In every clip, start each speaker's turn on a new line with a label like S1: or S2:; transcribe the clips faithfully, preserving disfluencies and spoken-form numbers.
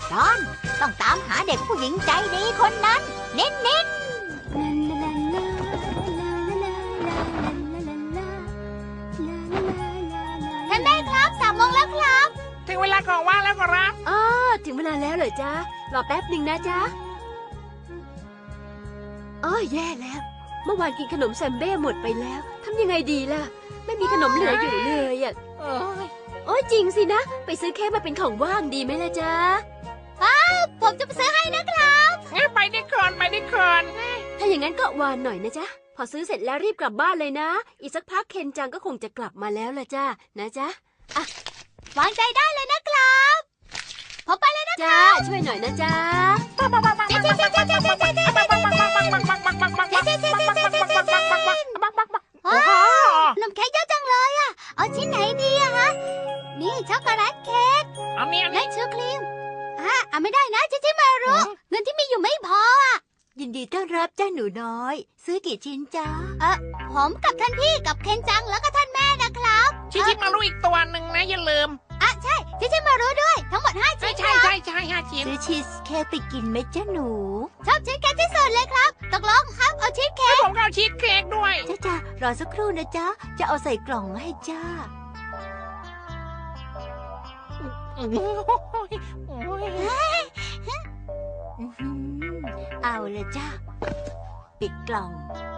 S1: ตอนต้องตามหาเด็กผู้หญิงใจดีคนนั้นเน้นเน้นท่านแม่ครับสามโมงแล้วครับ
S2: ถึงเวลาของว่างแล้วครับ
S3: อ๋อถึงเวลาแล้วเหรอจ๊ะรอแป๊บหนึ่งนะจ๊ะอ๋อแย่แล้วเมื่อวานกินขนมแซมเบ้หมดไปแล้วทำยังไงดีล่ะไม่มีขนมเหลืออยู่เลยอ่ะโอ้ยจริงสินะไปซื้อเค้กมาเป็นของว่างดีไหมล่ะจ๊ะ
S1: อ้าวผมจะไปซื้อให้นะครับ
S2: งั้นไปได้ก่อนไปได้ก่อน
S3: ถ้าอย่างนั้นก็วานหน่อยนะจ๊ะพอซื้อเสร็จแล้วรีบกลับบ้านเลยนะอีกสักพักเคนจังก็คงจะกลับมาแล้วล่ะจ้านะจ๊ะ
S1: อ่ะวางใจได้เลยนะครับผมไปเลยนะ
S3: จ้าช่วยหน่อยนะจ๊ะ
S1: นมเค้กเยอะจังเลยอ่ะเอาชิ้นไหนดีอะฮะนี่ช็อกโกแลตเค้ก
S2: เอาเนี่ย
S1: และชูครีมอ่ะเอาไม่ได้นะชิชิมารุเงินที่มีอยู่ไม่พออ่ะ
S4: ยินดีต้อนรับจ้าหนูน้อยซื้อกี่ชิ้นจ้า
S1: เออผมกับท่านพี่กับเคนจังแล้วก็ท่านแม่นะครับ
S2: ชิชิมารุอีกตัวหนึ่งนะอย่าลืม
S1: อ่ะใช่ชิชิมารุด้วยทั้งหมดห้าชิ้น
S2: ใช่ใช่ใช่ห้าชิ้น
S4: ซื้อชีสเค้กไปกินไหมจ้าหนู
S1: ชอบชีสเค้กที่สุดเลยครับตกลงครับเอาชีสเค้ก
S2: ผมก็เอาชีสเค้กด้วย
S4: จ้าจ้ารอสักครู่นะจ้าจะเอาใส่กล่องให้จ้าเอาเลยจ้าปิดกล่อง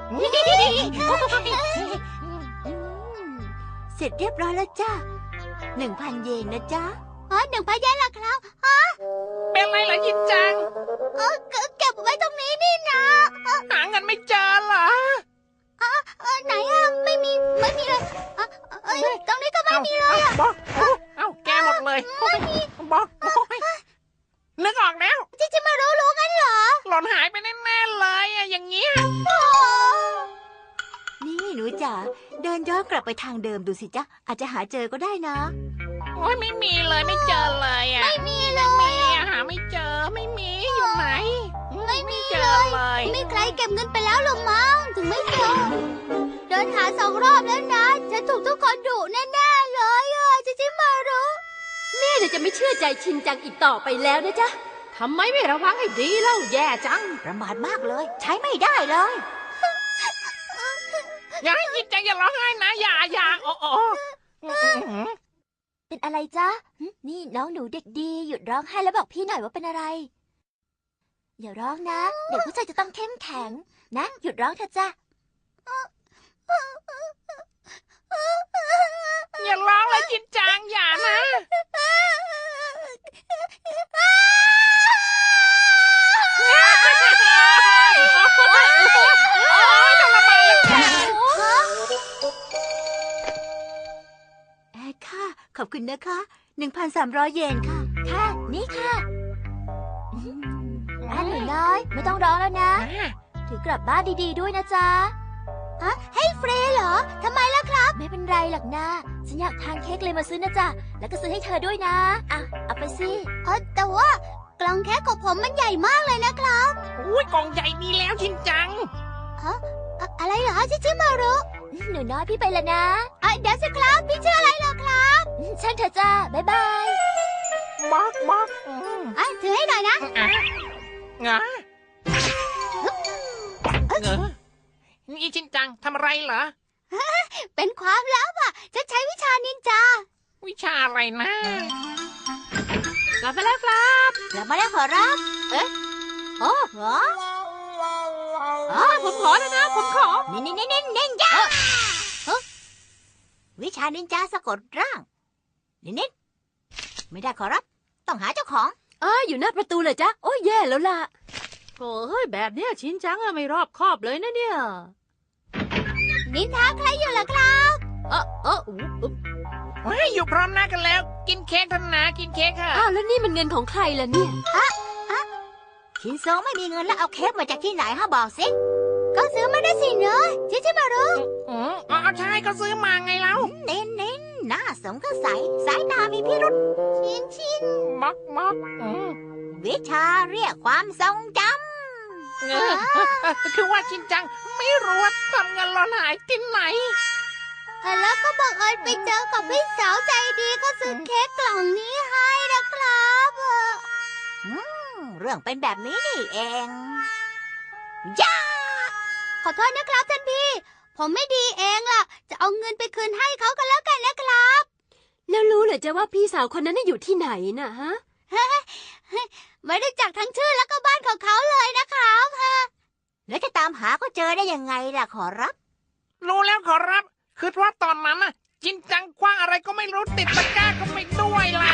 S4: เสร็จเรียบร้อยแล้วจ้าหนึ่งพันเยนนะจ้า
S1: อ๋อหนึ่งพันเยนล่ะครับฮะ
S2: เป็นไรล่ะยินจัง
S1: เออเก็บไว้ตรงนี้นี่นะ
S2: หาเงินไม่เจอเหรอ
S1: อ๋อไหนอะไม่มีไม่มีเลยเอ้ยตรงนี้ก็ไม่มีเลยอะ
S2: บอกเอ้าแกหมดเลย
S1: ไม่มี
S2: บอกนึกออกแล้ว
S1: จิจิมารู้รู้กันเหรอ
S2: หล่นหายไปแน่ๆเลยอะอย่างเงี้ย
S4: นี่หนูจ๋าเดินย้อนกลับไปทางเดิมดูสิจ๊ะอาจจะหาเจอก็ได้นะ
S2: โอ้ยไม่มีเลยไม่เจอเลยอะ
S1: ไม่มีเลย
S2: ไม่มีหาไม่เจอไม่มีอยู่ไหน
S1: ไม่มีเลยมีใครเก็บเงินไปแล้วหรือมั้งถึงไม่เจอเดินหาสองรอบแล้วนะจะถูกทุกคนดุแน่ๆเลยอะจิจิมารู้
S3: แม่เดี๋ยวจะไม่เชื่อใจชินจังอีกต่อไปแล้วนะจ๊ะ
S5: ทำไมไม่ระวังให้ดีเล่าแย่จัง
S4: ประมาทมากเลยใช้ไม่ได้เลย
S2: อย่าให้ยินจังอย่าร้องไห้นะอย่าอย่าโอ้โอ้
S1: เป็นอะไรจ๊ะนี่น้องหนูเด็กดีหยุดร้องไห้แล้วบอกพี่หน่อยว่าเป็นอะไรอย่าร้องนะเด็กผู้ชายจะต้องเข้มแข็งนะหยุดร้องเถอะจ้ะ
S2: อย่าร้องเลยจินจังอย่านะ
S4: ค่ะขอบคุณนะคะ หนึ่งพันสามร้อย เยนค่ะ
S1: ค่ะนี่ค่ะอันหนูน้อยไม่ต้องร้องแล้วนะถือกลับบ้านดีๆด้วยนะจ๊ะฮะให้ฟรีเหรอทำไมล่ะครับไม่เป็นไรหรอกนะฉันอยากทานเค้กเลยมาซื้อนะจ๊ะแล้วก็ซื้อให้เธอด้วยนะอ่ะเอาไปสิเออแต่ว่ากล่องเค้กของผมมันใหญ่มากเลยนะครับ
S2: อุ้ยกล่องใหญ่ดีแล้วชินจัง
S1: ฮะอะไรเหรอชิชิมารุหนูน้อยพี่ไปแล้วนะอ่ะเดี๋ยวสิครับพี่ชื่ออะไรเหรอครับฉันเธอจ้าบ๊ายบาย
S2: บ๊อกบ๊อก
S1: อ่ะถือให้หน่อยนะ
S2: งะเงอนี่ชินจังทำอะไรเหรอ
S1: เป็นความลับอ่ะฉันใช้วิชานินจา
S2: วิชาอะไรนะ
S3: กลับมาแล้วครับ
S4: กลับมาแล้วขอรับ
S3: เอ๊ะ
S4: โอ้โห
S3: อ๋อผมขอแล้วนะผมขอ
S4: นี่นี่นี่นี่นินจาวิชานินจาสะกดร่างนิดนิดไม่ได้ขอรับต้องหาเจ้าของ
S3: อ๋ออยู่หน้าประตูเลยจ้ะโอ้ยแย่แล้วล่ะ
S5: โอ้ยแบบเนี้ยชินจังอะไม่รอบคอบเลยนะเนี่ย
S1: นินทาใครอยู่ล่ะครับ
S3: เออเอออุ๊บ
S2: เฮ้ยอยู่พร้อมหน้ากันแล้วกินเค้กทันนะกินเค้กค่ะ
S3: อ้าวแล้วนี่มันเงินของใครล่ะเนี่ย
S1: อะอะ
S4: ชินโซไม่มีเงินแล้วเอาเค้กมาจากที่ไหนฮะบอกสิ
S1: ก็ซื้อมาได้สิเนอะชิชิมารุ
S2: อ๋อเอาใช่ก็ซื้อมาไงเล่า
S4: เน้นเน้นหน้าสมก็ใสสายตามีพิรุษ
S1: ชินชิน
S2: มักมัก
S4: วิชาเรียกความทรงจ
S2: ำคือว่าชินจังไม่รู้ว่าทำเงินหล่นหายที่ไหน
S1: แล้วก็บังเอิญไปเจอกับพี่สาวใจดีก็ซื้อเค้กกล่องนี้ให้นะครับ
S4: รื่องเป็นแบบนี้นี่เองย่า
S1: ขอโทษนะครับท่านพี่ ผมไม่ดีเองล่ะ จะเอาเงินไปคืนให้เขากันแล้วกันนะครับ
S3: แล้วรู้เหรอจะว่าพี่สาวคนนั้นน่ะอยู่ที่ไหนน่ะฮะ
S1: ไม่ได้จักทั้งชื่อแล้วก็บ้านของเขาเลยนะครับ
S4: แล้วจะตามหาก็เจอได้ยังไงล่ะขอรับ
S2: รู้แล้วขอรับ คือว่าตอนนั้นน่ะจินจังคว้างอะไรก็ไม่รู้ติดตะกร้าก็ไปด้วยล่ะ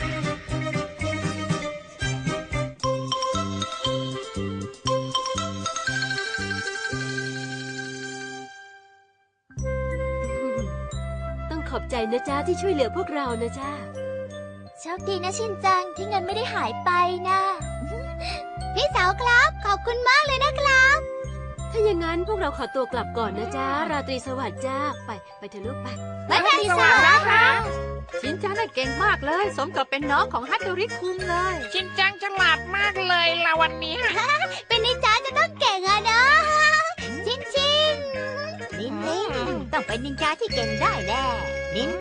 S3: ต้องขอบใจนะจ๊ะที่ช่วยเหลือพวกเรานะจ๊ะ
S1: โชคดีนะชินจังที่เงินไม่ได้หายไปนะ พี่สาวครับขอบคุณมากเลยนะครับ
S3: ถ้าอย่างนั้นพวกเราขอตัวกลับก่อนนะจ๊ะ ราตรีสวัสดิ์จ้า ไป ไปเถอะลูกไป
S1: ไม่เป็นไรสวัสดีครับ
S5: ชินจังน่ะเก่งมากเลย สมกับเป็นน้องของฮัตโตริคุงเลย
S2: จินจังฉลาดมากเลยล่ะวันเนี้ย
S1: เป็นนินจาจะต้องเก่งอะนะ ชินชิน
S4: นินนินต้องเป็นนินจาที่เก่งได้แน่นิน